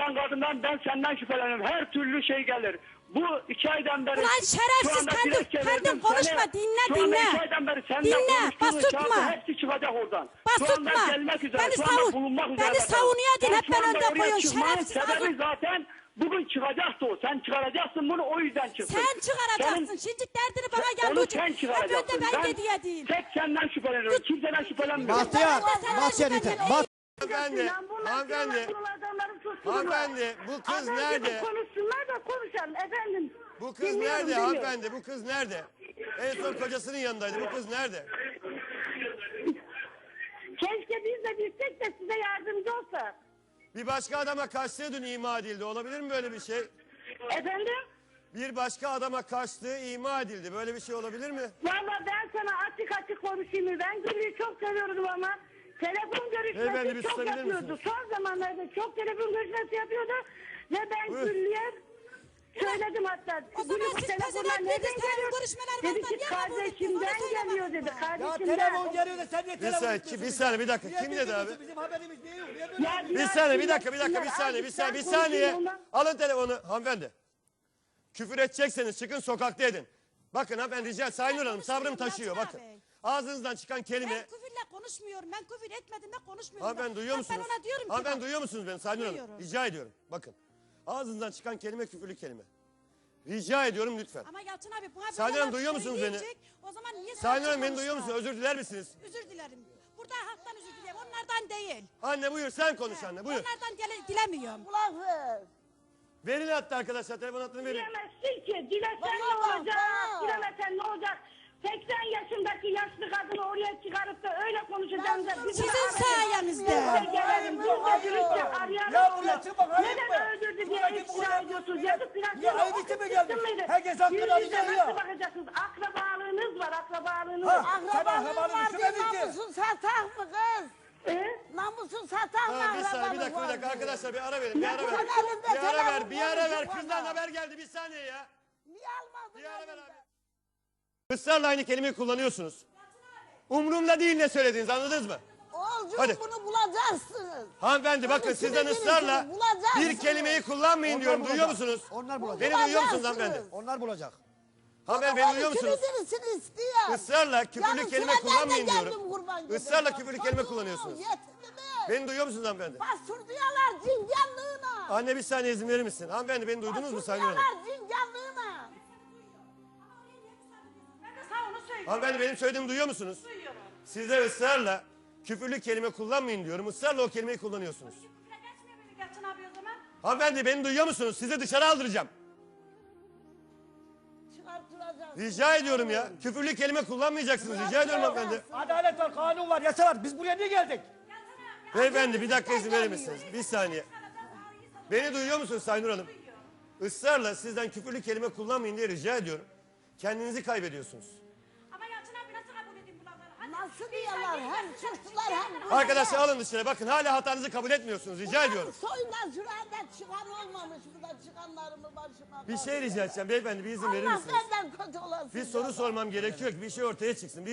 gelen kadından ben senden şüpheleniyorum. Her türlü şey gelir. Bu 2 aydan beri... Ulan şerefsiz kendin konuşma, dinle. 2 aydan beri senden Dinle, konuştuğunuz basutma. kağıdı hepsi çıkacak oradan. Basutma. Şu anda gelmek üzere, Beni şu anda bulunmak üzere. Beni savunuyor din, hep Şu ben anda önde oraya koyuyorsun çıkmanın şerefsiz. sebebi zaten bugün çıkacaktı o. Sen çıkaracaksın bunu, o yüzden çıktın. Sen çıkaracaksın. Şimdi derdini bana gel. Onu sen Hep çıkaracaksın. önde ben dediğim. Tek senden şüpheleniyorum. Kimseden şüphelenmiyorum. Bahtiyar, Bahtiyar yeter. Hanımefendi, hanımefendi, bu kız nerede? Konuşsunlar da konuşalım efendim. Bu kız nerede hanımefendi? Bu kız nerede? En son kocasının yanındaydı. Bu kız nerede? Keşke biz de bilsek de size yardımcı olsak. Bir başka adama kaçtığı dün ima edildi. Olabilir mi böyle bir şey? Efendim? Bir başka adama kaçtığı ima edildi. Böyle bir şey olabilir mi? Valla ben sana açık konuşayım mı? Ben Gül'ü çok seviyordum ama telefon Beyefendi, bir görüşmesi çok susabilir yapıyordu. misiniz? Son zamanlarda çok telefon görüşmesi yapıyordu. Ve ben Buyur. Gül'üye söyledim hatta. O zaman Gül'ü bu siz telefonlar pezevenk nereden değiliz, telefon geliyor? görüşmeleri Dedi varsa ki niye kabul ettiniz? kardeşimden Onu söyle geliyor dedi. bakayım. Ya Kardeşimden. telefon geliyor da sen niye Bir telefon saniye, etmiyorsun? bir saniye, bir dakika. Niye Kim dedi abi? Bizim haberimiz niye yok? Niye böyle Ya yapıyorsun? Bir saniye, bir dakika, bir saniye. Alın telefonu hanımefendi. Küfür edecekseniz çıkın, sokakta edin. Bakın hanımefendi, rica Sayın Hanım, sabrım taşıyor bakın. Ağzınızdan çıkan kelime... Ben küfürle konuşmuyorum. Ben küfür etmedim de konuşmuyorum. Hanımefendi duyuyor musunuz? Ben ona diyorum ki Hanımefendi bak, duyuyor musunuz beni Sayın Hanım? Duyuyorum. Rica ediyorum. Bakın. Ağzınızdan çıkan kelime küfürlü kelime. Rica ediyorum lütfen. ama Yalçın abi buna Sayın böyle Hanım, duyuyor lafları musunuz beni? diyecek, o zaman niye Sayın sen Hanım beni konuşma? duyuyor musunuz? Özür diler misiniz? Özür dilerim. Burada halktan özür dilerim. Onlardan değil. Anne buyur, sen konuş anne buyur. Onlardan dilemiyorum. Verin hatta arkadaşlar, telefon hattını verin. Dilemezsin ki. Dilesen ne olacak? Dilemesen ne olacak? 80 yaşındaki yaşlı kadını oraya çıkarıp da öyle konuşacağım da bizim Sizin sayenizde. gelelim. Biz de dürüstçe Ya arayalım. buraya çıkmak ayıp mı? Neden öldürdü diye Buradaki bu iftira kadar- ediyorsunuz? Yazık günah. Ya ayıp için mi gelmiş? Herkes hakkını Yüz yüze arayacak ya. nasıl bakacaksınız? Akrabalığınız var, akrabalığınız. Ha, sen akrabanı düşünmedin ki. Namusun satak mı kız? Namusun satak mı Ha, bir saniye, bir akrabalık dakika var? arkadaşlar, bir ara verin, bir ara ver. Sen elinde Bir ara ver, telefon bir ara ver. konuşup Kızdan bana. haber geldi, bir saniye ya. Niye almadın Bir ara ver elinden? abi. Israrla aynı kelimeyi kullanıyorsunuz. Umurumda değil ne söylediğiniz, anladınız mı? Oğulcuğum Hadi. bunu bulacaksınız. Hanımefendi bakın Bunu sizden sinirli ısrarla sinirli bulacaksınız. bir kelimeyi kullanmayın diyorum, Onlar duyuyor bulacak. musunuz? Onlar bulacak. Beni duyuyor musunuz Bulacaksınız. hanımefendi? Onlar bulacak. Hanımefendi beni duyuyor musunuz? Kimisini istiyor. Israrla küfürlü Yarın kelime sıra ben de kullanmayın geldim diyorum. kurban gibi. Israrla küfürlü kelime Çocuğum, kullanıyorsunuz. Yetimimi. Beni duyuyor musunuz hanımefendi? Bastırdılar cinganlığına. Anne bir saniye izin verir misin? Hanımefendi beni duydunuz mu Sayın Hanım? Bastırdılar cinganlığına. Ben de sana onu söylüyorum. Hanımefendi benim söylediğimi duyuyor musunuz? Duyuyorum. Size ısrarla küfürlü kelime kullanmayın diyorum. Israrla o kelimeyi kullanıyorsunuz. Küfre geçmiyor muydu Yalçın abi o zaman? Hanımefendi beni duyuyor musunuz? Sizi dışarı aldıracağım. Çıkartılacak. Rica ediyorum ya. Küfürlü kelime kullanmayacaksınız. Rica ediyorum hanımefendi. Adalet var, kanun var, yasa var. Biz buraya niye geldik? Beyefendi bir dakika izin verir misiniz? Bir saniye. Beni duyuyor musunuz Sayın Nur Hanım? Israrla sizden küfürlü kelime kullanmayın diye rica ediyorum. Kendinizi kaybediyorsunuz. Ama Yalçın abi nasıl kabul edeyim bu lafları? Hadi. Nasıl diyorlar? Hem suçlular hem... Arkadaşlar alın dışarı. Bakın hala hatanızı kabul etmiyorsunuz. Rica ediyorum. Soyundan şurada çıkan olmamış. Burada çıkanlarımı başıma... Bir şey rica edeceğim. Beyefendi bir izin verir Allah misiniz? benden kötü olasın. Bir soru sormam gerekiyor ki bir şey ortaya çıksın.